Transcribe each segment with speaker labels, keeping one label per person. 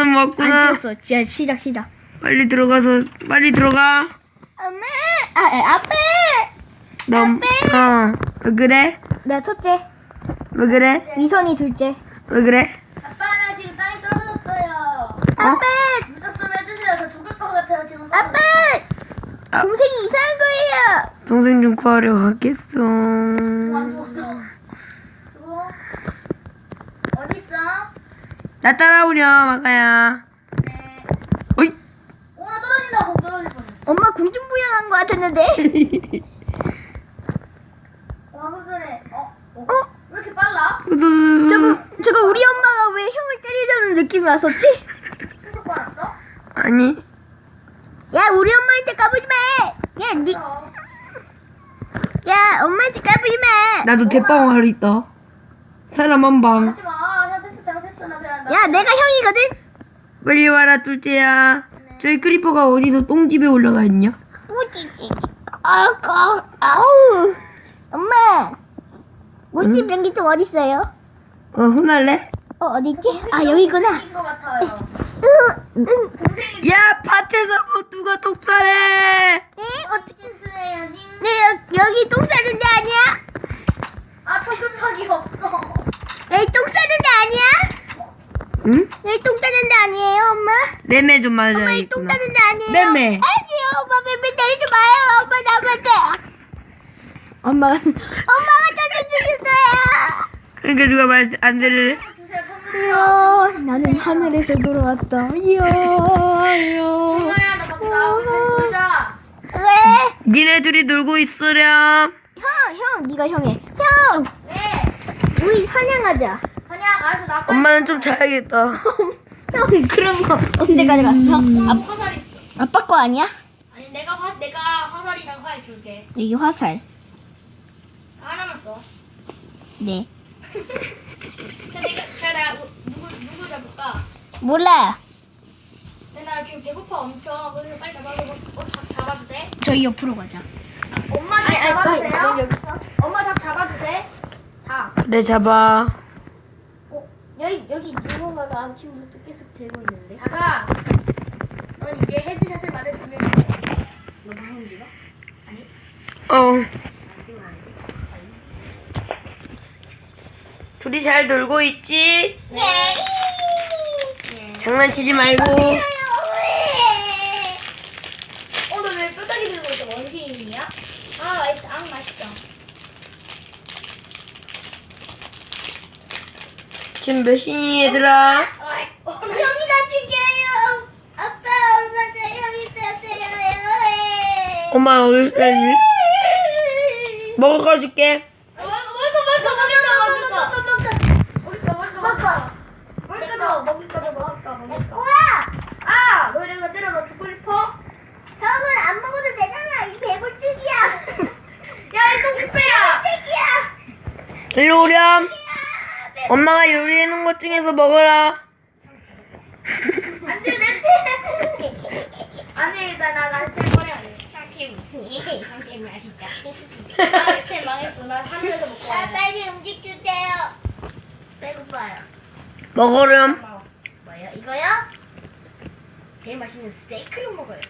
Speaker 1: 놈
Speaker 2: 안
Speaker 1: 왔구나.
Speaker 2: 찍었어. 시작.
Speaker 1: 빨리 들어가.
Speaker 2: 엄마, 아빠.
Speaker 1: 왜 그래?
Speaker 2: 나 첫째,
Speaker 1: 왜 그래?
Speaker 2: 이선이 둘째.
Speaker 1: 왜 그래?
Speaker 3: 아빠 나 지금 땅에 떨어졌어요.
Speaker 2: 아빠,
Speaker 3: 무적 좀 해주세요. 저 죽을 것 같아요 지금.
Speaker 2: 아빠. 동생이 이상한 거예요.
Speaker 1: 동생 좀 구하러 가겠어.
Speaker 3: 안 죽었어. 수고. 어디 있어?
Speaker 1: 나 따라오렴, 아가야.
Speaker 3: 네.
Speaker 1: 어이.
Speaker 3: 오나 떨어진다. 공 떨어질 뻔했어.
Speaker 2: 엄마 공중부양한 거 같았는데.
Speaker 3: 와 그래. 왜 이렇게 빨라?
Speaker 2: 저거 우리 엄마가 왜 형을 때리려는 느낌이 왔었지?
Speaker 3: 계속 빨았어?
Speaker 1: 아니.
Speaker 2: 야, 우리 엄마한테 까부지 마. 야, 엄마한테 까부지 마.
Speaker 1: 나도 대빵 하러 있다. 사람 한 방.
Speaker 3: 하지 마. 잘됐어. 나 그냥 나.
Speaker 2: 야, 내가 형이거든.
Speaker 1: 빨리 와라, 둘째야. 저희 크리퍼가 어디서 똥집에 올라가 있냐?
Speaker 2: 아우. 엄마. 모찌 변기 좀 어디 있어요?
Speaker 1: 혼날래?
Speaker 2: 어디지? 아, 여기구나.
Speaker 3: 인것 같아요.
Speaker 1: 야, 밭에서 뭐 누가 독살해?
Speaker 2: 네,
Speaker 3: 치킨스예요.
Speaker 2: 네, 여기 똥 싸는 데 아니야?
Speaker 3: 아 청금석이 없어.
Speaker 2: 여기 똥 싸는 데 아니야?
Speaker 1: 응?
Speaker 2: 여기 똥 싸는 데 아니에요, 엄마?
Speaker 1: 매매 좀
Speaker 2: 엄마, 여기 똥
Speaker 1: 맞아야겠구나.
Speaker 2: 싸는 데 아니에요?
Speaker 1: 매매.
Speaker 2: 아니요, 엄마 매매 때리지 마요. 엄마 나한테. 엄마가 저를 죽였어요.
Speaker 1: 그러니까 누가 말 안 들으래?
Speaker 3: 주세요 청금석.
Speaker 2: 이야, 나는 하늘에서 돌아왔다. 이야.
Speaker 3: 엄마야 나 밖에 나가고 놀자.
Speaker 2: 왜?
Speaker 1: 니네 둘이 놀고 있으렴.
Speaker 2: 형, 네가 형해. 형,
Speaker 3: 네.
Speaker 2: 우리 사냥하자.
Speaker 3: 그냥 알았어 나.
Speaker 1: 엄마는 좀 자야겠다.
Speaker 2: 형, 그런 거 언제까지 갔어?
Speaker 3: 화살 있어.
Speaker 2: 아빠 거 아니야?
Speaker 3: 아니 내가 화살이랑 활 줄게.
Speaker 2: 여기 화살.
Speaker 3: 하나만 써.
Speaker 2: 네.
Speaker 3: 자 내가 누구 잡을까?
Speaker 2: 몰라요.
Speaker 3: 근데 나 지금 배고파 엄청. 그래서 빨리 잡아도 돼?
Speaker 2: 저희 옆으로 가자.
Speaker 3: 엄마 닭 잡아도 돼요?
Speaker 2: 여기서.
Speaker 3: 엄마 닭 잡아도 돼? 닭.
Speaker 1: 네, 잡아.
Speaker 2: 여기 누군가가 아침부터 계속 들고 있는데.
Speaker 3: 닭아. 넌 이제 헤드샷을 맞아주면 돼. 너 방금 이거? 아니? 이건 아니고.
Speaker 1: 둘이 잘 놀고 있지?
Speaker 3: 네.
Speaker 1: 장난치지 말고.
Speaker 3: 너 왜 뼈다귀 들고 있어? 원시인이야? 맛있어. 맛있어.
Speaker 1: 지금 몇 시니, 얘들아?
Speaker 3: 형이 나 죽여요. 아빠, 엄마 저 형이 나 때려요.
Speaker 1: 엄마 어디 있니? 먹어 줄게. 아, 너 이런 때려 너 죽고 싶어?
Speaker 2: 형은 안 먹어도 되잖아. 이 배불뚝이야.
Speaker 3: 야, 이 송수배야.
Speaker 1: 일로 오렴. 엄마가 요리해놓은 것 중에서 먹어라.
Speaker 3: 안 돼, 내 아니, 나한테 버려야 돼.
Speaker 2: 형팀 맛있다.
Speaker 3: 나한테 망했어. 나 하늘에서 먹고 와야 돼.
Speaker 2: 빨리 음식 주세요. 배고파요.
Speaker 1: 먹어렴.
Speaker 2: 뭐요? 이거요? 제일 맛있는 스테이크를 먹어요.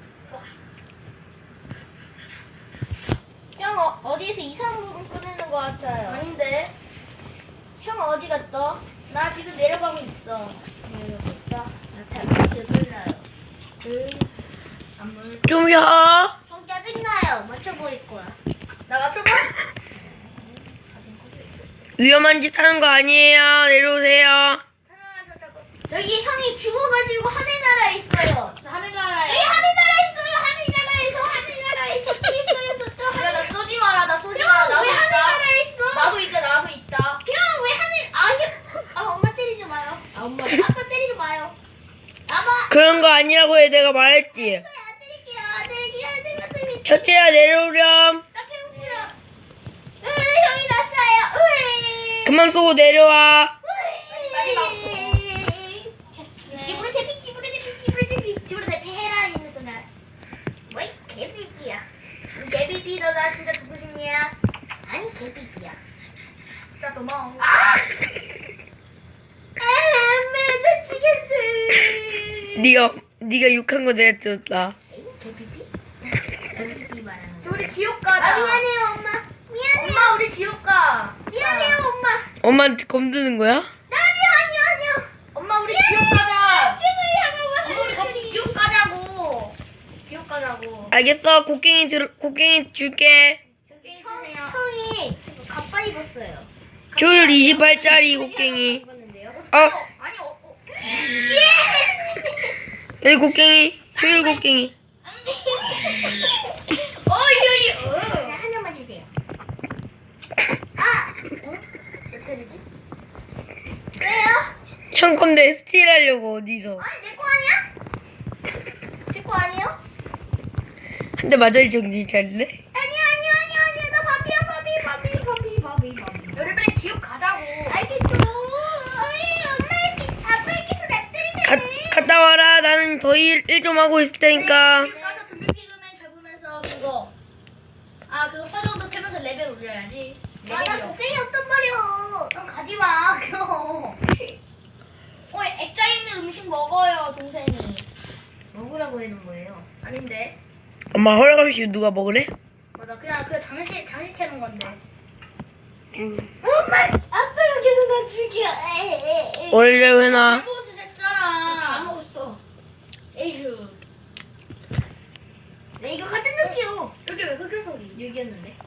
Speaker 2: 형 어디에서 이상한 물건 꺼내는 것 같아요.
Speaker 3: 아닌데.
Speaker 2: 형 어디 갔어?
Speaker 3: 나 지금 내려가고 있어.
Speaker 2: 내려가고 있어? 나다 몰라요.
Speaker 3: 안물.
Speaker 1: 좀 쉬어.
Speaker 2: 형 짜증나요. 맞춰버릴 거야.
Speaker 3: 나 맞춰봐.
Speaker 1: 위험한 짓 하는 거 아니에요. 내려오세요.
Speaker 3: 하나만 더 잡고.
Speaker 2: 저기 형이 죽어가지고 하늘나라에 있어요.
Speaker 3: 하늘나라에.
Speaker 2: 저기 하늘나라에 있어요. 하늘나라에 저기 있어요. 저쪽
Speaker 3: 야, 나 쏘지 마라. 나 쏘지
Speaker 2: 형,
Speaker 3: 마라. 나도
Speaker 2: 왜
Speaker 3: 있다.
Speaker 2: 하늘나라에 있어?
Speaker 3: 나도 있다.
Speaker 2: 형, 왜 엄마 때리지 마요. 아빠 때리지 마요. 아빠.
Speaker 1: 그런 거 아니라고 해. 내가 말했지.
Speaker 2: 안 때릴게요.
Speaker 1: 첫째야, 내려오렴.
Speaker 2: 나 배고프요. 형이 났어요.
Speaker 1: 그만 쏘고 내려와.
Speaker 3: 빨리 막소.
Speaker 2: 집으로 대피.
Speaker 3: 집으로 대피 해라 있는 순간. 뭐이 개비비야. 개비비 너나 진짜 죽고 싶냐?
Speaker 2: 아니 개비비야.
Speaker 3: 진짜 도망.
Speaker 2: 나 죽였어.
Speaker 1: 네가 욕한 거 내가 들었다.
Speaker 3: 개피피? 말하는
Speaker 2: 저 우리 지옥 가자.
Speaker 3: 아 미안해요 엄마. 미안해요.
Speaker 2: 엄마 우리 지옥 가.
Speaker 3: 미안해요 엄마.
Speaker 1: 엄마한테 검드는 거야?
Speaker 3: 아니요.
Speaker 2: 엄마 우리 지옥 가자.
Speaker 3: 제발
Speaker 2: 엄마 우리 같이 지옥 가자고. 지옥 가자고.
Speaker 1: 알겠어. 곡괭이 줄게.
Speaker 2: 게임 주세요.
Speaker 3: 형이 갑바 입었어요.
Speaker 1: 조율 28짜리 곡괭이.
Speaker 3: 입었는데요.
Speaker 1: 어,
Speaker 2: 아니
Speaker 1: 여기 곡괭이. 조율 곡괭이.
Speaker 3: 한 명만 주세요. 몇 개지? 왜요?
Speaker 1: 형 건데 스틸 하려고 어디서.
Speaker 3: 아니 내 거 아니야? 제 거 아니에요?
Speaker 1: 한 대 맞아야 정신 차릴래?
Speaker 3: 아니요. 나 밥이야.
Speaker 2: 너를 빨리 지옥 가자고.
Speaker 3: 알겠죠. 아빠에게서 나 때리네.
Speaker 1: 갔다 와라. 나는 더 일 좀 하고 있을 테니까.
Speaker 2: 지옥 가서 좀비 피그맨 잡으면서 그거. 그거 서정도 패면서 레벨 올려야지.
Speaker 3: 나 곡괭이 없단 말이야.
Speaker 2: 넌 가지 마. 그럼. 액자 있는 음식 먹어요, 동생이.
Speaker 3: 먹으라고 해놓은 거예요.
Speaker 2: 아닌데.
Speaker 1: 엄마 허락 없이 누가 먹으래?
Speaker 2: 맞아, 그냥 그 장식 해놓은 건데.
Speaker 3: 엄마, 아빠가 계속 나 죽여.
Speaker 1: 원래 회나.
Speaker 2: 먹었을 했잖아.
Speaker 3: 다 먹었어.
Speaker 2: 에이슈.
Speaker 3: 내 이거 갖다 놓을게요.
Speaker 2: 여기 왜 흑요 소리?
Speaker 3: 여기였는데.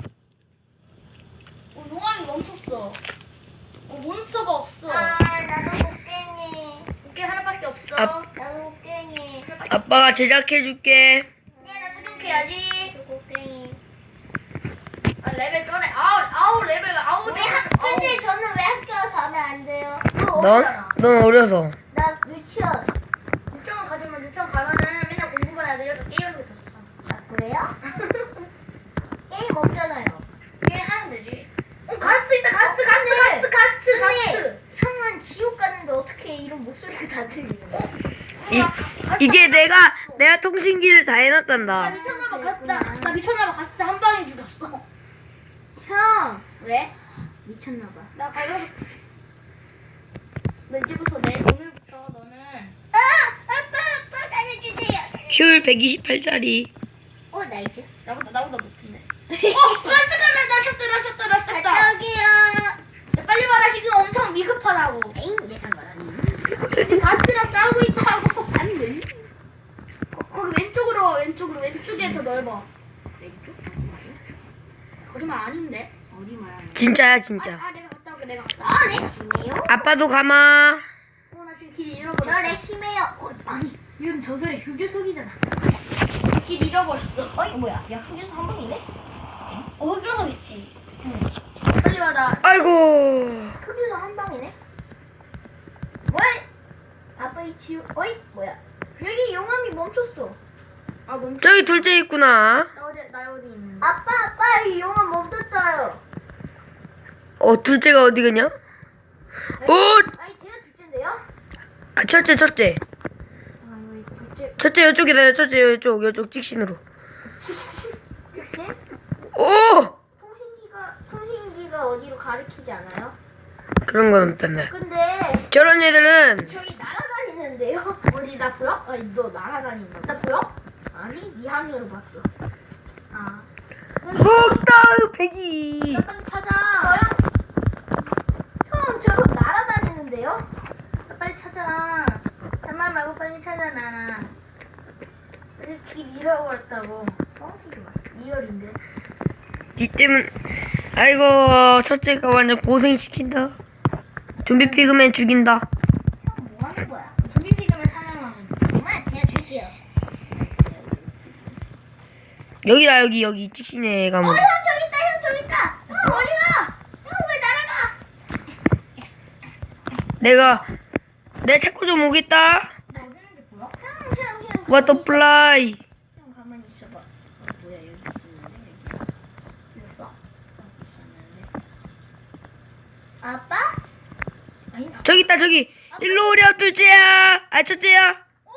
Speaker 2: 용암이 멈췄어. 몬스터가 없어.
Speaker 3: 나도 곡괭이.
Speaker 2: 어깨 하나밖에 없어.
Speaker 3: 나도 곡괭이.
Speaker 1: 아빠가 제작해줄게.
Speaker 2: 나 사격해야지.
Speaker 3: 곡괭이.
Speaker 2: 레벨 쩌네. 아우 레벨 아우.
Speaker 3: 근데 저는 왜 학교 가면 안 돼요?
Speaker 1: 넌 어려서.
Speaker 3: 나 유치원.
Speaker 2: 유치원 가면은 맨날 공부만 해야 돼서 게임을 하고 있었잖아.
Speaker 3: 그래요? 게임 없잖아요.
Speaker 2: 게임 하면 되지. 가스 있다. 가스.
Speaker 3: 형은 지옥 가는데 어떻게 이런 목소리가 다 들리는 거야?
Speaker 1: 이게 내가 통신기를 다 해놨단다.
Speaker 2: 나 미쳤나봐. 가스 한 방에 죽었어.
Speaker 3: 형
Speaker 2: 왜?
Speaker 3: 미쳤나봐.
Speaker 2: 나 가서 너 이제부터 오늘부터 너는
Speaker 3: 아빠 가져주세요.
Speaker 1: 조율 128짜리.
Speaker 3: 나 이제.
Speaker 2: 나보다 높은데. 가스 나 쳤다.
Speaker 3: 여기요.
Speaker 2: 야, 빨리 와라. 지금 엄청 미급하다고.
Speaker 3: 에잉 내 상관없니?
Speaker 2: 지금 가스랑 싸우고 있다고.
Speaker 3: 안 돼.
Speaker 2: 거기 왼쪽에 더 넓어.
Speaker 3: 왼쪽?
Speaker 2: 거짓말 아닌데.
Speaker 3: 어디 말하는
Speaker 1: 진짜야
Speaker 2: 내가 갔다 올게. 내가 갔다.
Speaker 3: 내 심해요?
Speaker 1: 아빠도 가마.
Speaker 2: 나 지금 길 잃어버렸어.
Speaker 3: 너내 심해요. 아니
Speaker 2: 이건 저 소리 흑요석이잖아. 길 잃어버렸어.
Speaker 3: 뭐야? 야 흑유소 한 방이네?
Speaker 2: 흑요석 있지. 빨리 와. 나
Speaker 1: 아이고.
Speaker 3: 흑유소 한 방이네? 뭘? 아빠 이 지우 뭐야? 여기 용암이 멈췄어. 멈췄어.
Speaker 1: 저기 둘째 있구나.
Speaker 2: 나 어디 있는데?
Speaker 3: 아빠 이 용암 멈췄어요.
Speaker 1: 둘째가 어디 가냐?
Speaker 3: 아니 제가 둘째인데요?
Speaker 1: 첫째.
Speaker 3: 둘째.
Speaker 1: 첫째 이쪽이다. 첫째 이쪽 직신으로.
Speaker 3: 즉시?
Speaker 1: 오!
Speaker 3: 통신기가 어디로 가리키지 않아요?
Speaker 1: 그런 건 없단다.
Speaker 3: 근데
Speaker 1: 저런 애들은
Speaker 3: 저기 날아다니는데요?
Speaker 2: 어디 나 보여?
Speaker 3: 아니 너 날아다닌다.
Speaker 2: 나 보여?
Speaker 3: 아니 네 화면으로 봤어.
Speaker 1: 꼭다우 패기.
Speaker 3: 나 빨리 찾아. 형 저거 날아다니는데요?
Speaker 2: 나 빨리 찾아. 잠만 말고 빨리 찾아 나. 길 잃어버렸다고.
Speaker 3: 리얼인데.
Speaker 1: 니 때문. 아이고 첫째가 완전 고생시킨다. 좀비 피그맨 죽인다.
Speaker 3: 뭐 하는 거야?
Speaker 2: 좀비 피그맨 사냥하고 있어.
Speaker 3: 엄마 그냥 줄게요.
Speaker 1: 여기다 여기 직신에 가면.
Speaker 3: 형 저기 있다. 형 어디 가? 형 왜 날아가?
Speaker 1: 내가 찾고 좀 오겠다.
Speaker 3: 나 어디 있는지 보여? 형.
Speaker 1: 워터플라이.
Speaker 3: 형 가만히 있어봐. 뭐야 여기 있는데 있어? 아빠? 아니
Speaker 1: 저기 있다 저기. 일로 오렴 둘째야. 첫째야.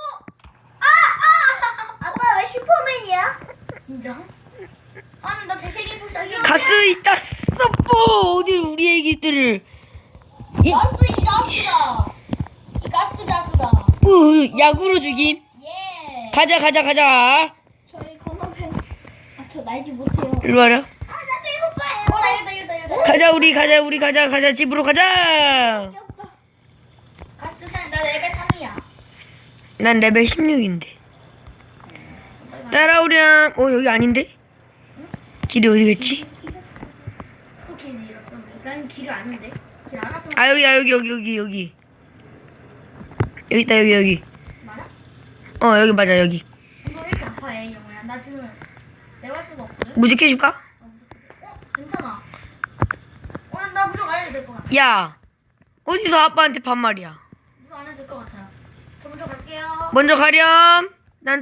Speaker 3: 아빠 왜 슈퍼맨이야?
Speaker 2: 인정? 나 되새김 부셔.
Speaker 1: 가스 있다. 썩보 어디 우리 애기들을.
Speaker 2: 가스 이 가스다. 이 가스다.
Speaker 1: 야구로 죽임.
Speaker 3: 예.
Speaker 1: 가자.
Speaker 3: 저희 건너편. 저 날지 못해요.
Speaker 1: 일로 와라.
Speaker 2: 나 배고파요. 나 이거다.
Speaker 1: 우리 가자. 집으로 가자.
Speaker 2: 가스산 나 레벨 3이야.
Speaker 1: 난 레벨 16인데. 따라오렴. 여기 아닌데? 길이 어디겠지?
Speaker 2: 또 길 잃었어. 난 길을 아는데. 길 안 왔던
Speaker 1: 아, 여기. 여기 있다, 여기.
Speaker 2: 맞아?
Speaker 1: 여기 맞아, 여기.
Speaker 2: 이거 왜 이렇게 아파해, 영호야? 나 지금 내려갈 수가 없거든.
Speaker 1: 무직해줄까?
Speaker 2: 괜찮아. 나 무조건 안 해도 될 것 같아.
Speaker 1: 야, 어디서 아빠한테 반말이야?
Speaker 2: 무조건 안 해도 될 것 같아요. 저 먼저 갈게요.
Speaker 1: 먼저 가렴. 난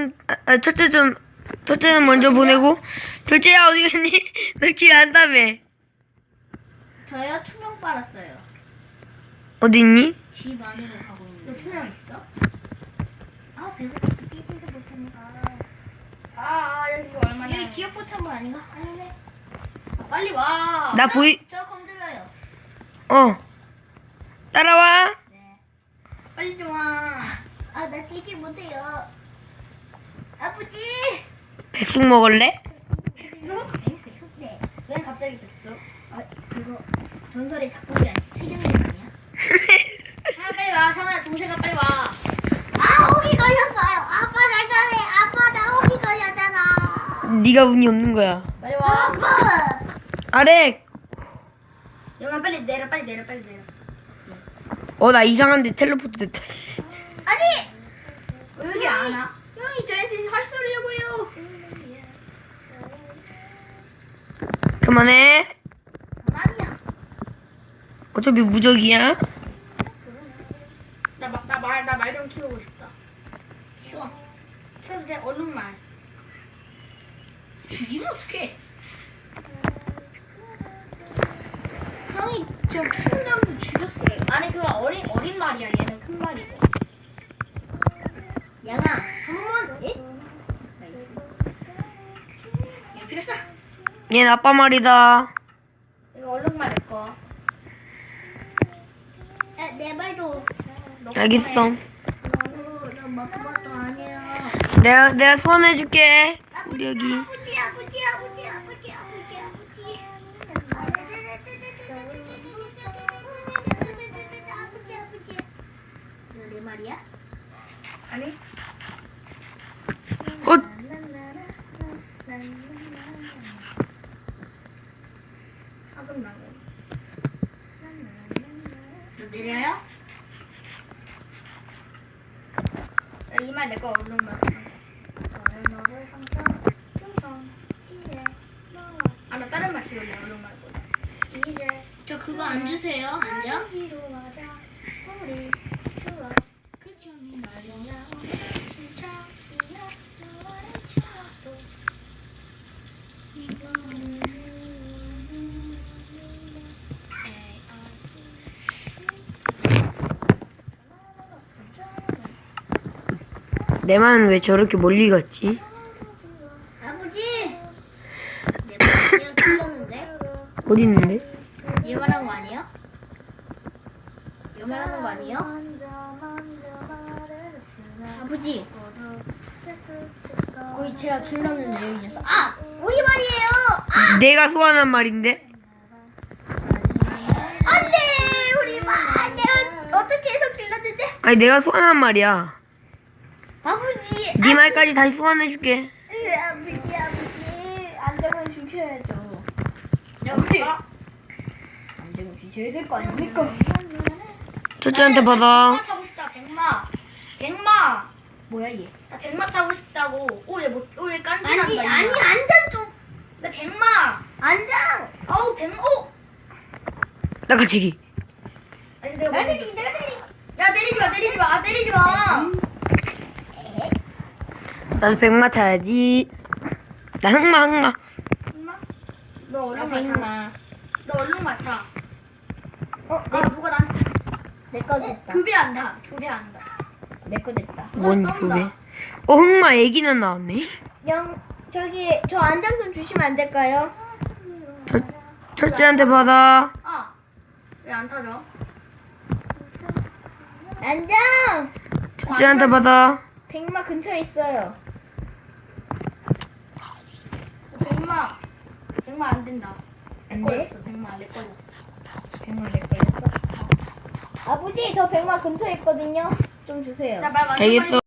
Speaker 1: 첫째는 먼저 보내고. 둘째야, 어디 갔니? 너 길 안다며.
Speaker 3: 저요 투명 빨았어요.
Speaker 1: 어디 있니?
Speaker 3: 집 안으로 가고 있는데.
Speaker 2: 너 투명 있어?
Speaker 3: 배고파서 뛰지도 못하니까.
Speaker 2: 여기가 얼마냐?
Speaker 3: 여기 기억 포탄물 아닌가? 아니네.
Speaker 2: 빨리 와.
Speaker 1: 나 보이,
Speaker 3: 저 건드려요.
Speaker 1: 따라와.
Speaker 3: 네.
Speaker 2: 빨리 좀 와.
Speaker 3: 나 뛰지 못해요. 아버지.
Speaker 1: 백숙 먹을래?
Speaker 2: 백수?
Speaker 3: 네. 왜 갑자기 백수? 이거 전설의 작품이 아니야. 필름이 아니야?
Speaker 2: 빨리 와. 성아, 동생아 빨리 와.
Speaker 3: 호기 걸렸어요. 아빠 잠깐만. 아빠 나 호기 걸렸잖아.
Speaker 1: 네가 운이 없는 거야.
Speaker 2: 빨리 와.
Speaker 3: 아빠.
Speaker 1: 아렉.
Speaker 2: 영아 빨리 내려.
Speaker 1: 나 이상한데 텔레포트 됐다.
Speaker 3: 아니.
Speaker 2: 왜 여기 안 와?
Speaker 3: 형이 저한테 할 소리라고요.
Speaker 1: 그만해.
Speaker 3: 아니야.
Speaker 1: 어차피 무적이야.
Speaker 2: 나 말 좀 키우고 싶다. 키워도 돼? 얼른 말.
Speaker 3: 이거 어떻게? 형이 저 킹덤도 죽였어요.
Speaker 2: 아니 그거 어린 말이야. 얘는 큰 말이고.
Speaker 3: 양아, 한 번만. 예? 나이스. 야, 필요 없어.
Speaker 1: 얘는 아빠 말이다.
Speaker 2: 이거 얼른 말일 거.
Speaker 3: 야, 내 말도.
Speaker 1: 알겠어.
Speaker 3: 나 마크바도 아니야.
Speaker 1: 내가 소환해줄게. 우리 여기.
Speaker 3: 아버지. 내 말이야?
Speaker 2: 아니? 하금 나고.
Speaker 3: 내려요?
Speaker 2: 이 말 내 거 얼른 말. 나 다른 말 쓰려고 얼른 말고.
Speaker 3: 저 그거 안 주세요. 안녕?
Speaker 1: 내 말은 왜 저렇게 멀리 갔지?
Speaker 3: 아버지! 내 말이야 틀렸는데?
Speaker 1: 어디 있는데?
Speaker 3: 얘 말한 거 아니에요? 얘 말하는 거 아니에요? 아버지! 거의 제가 길러는 내용이어서 우리 말이에요!
Speaker 1: 내가 소환한 말인데?
Speaker 3: 안돼! 우리 말! 내가 어떻게 해서 길렀는데?
Speaker 1: 아니 내가 소환한 말이야.
Speaker 3: 아버지!
Speaker 1: 네 말까지 다시 소환해줄게.
Speaker 3: 아버지! 안되면 죽여야죠.
Speaker 2: 아버지.
Speaker 3: 안되면 죽여야 될 거 아닙니까?
Speaker 1: 첫째한테 받아.
Speaker 2: 백마 타고 싶다. 백마.
Speaker 3: 뭐야 얘?
Speaker 2: 나 백마 타고 싶다고. 얘 깐지난다.
Speaker 3: 아니
Speaker 2: 임마.
Speaker 3: 안장 좀!
Speaker 2: 나 백마.
Speaker 3: 안장!
Speaker 2: 아우 백마.
Speaker 1: 나가치기.
Speaker 2: 아니 내가
Speaker 3: 내가
Speaker 2: 뭐
Speaker 3: 때리기 내가 때리기!
Speaker 2: 야 때리지 마. 때리지 마.
Speaker 1: 나도 백마 타야지. 나 흑마.
Speaker 2: 백마. 너 얼른 맡아.
Speaker 3: 백마.
Speaker 2: 너 얼른 맡아. 누가
Speaker 3: 내거 됐다.
Speaker 2: 교배한다.
Speaker 3: 내거 됐다.
Speaker 1: 뭔
Speaker 2: 쏜다.
Speaker 1: 교배? 흑마 애기는 나왔네.
Speaker 3: 저기 저 안장 좀 주시면 안 될까요?
Speaker 1: 첫째한테 받아.
Speaker 2: 왜 안 타죠?
Speaker 3: 안장!
Speaker 1: 쟤한테 받아.
Speaker 3: 백마 근처에 있어요.
Speaker 2: 백마 안 된다.
Speaker 3: 안 돼?
Speaker 2: 걸렸어. 백마 내 걸렸어.
Speaker 3: 백마 내 걸렸어? 아버지 저 백마 근처에 있거든요. 좀 주세요.
Speaker 2: 나말 완전
Speaker 1: 알겠어.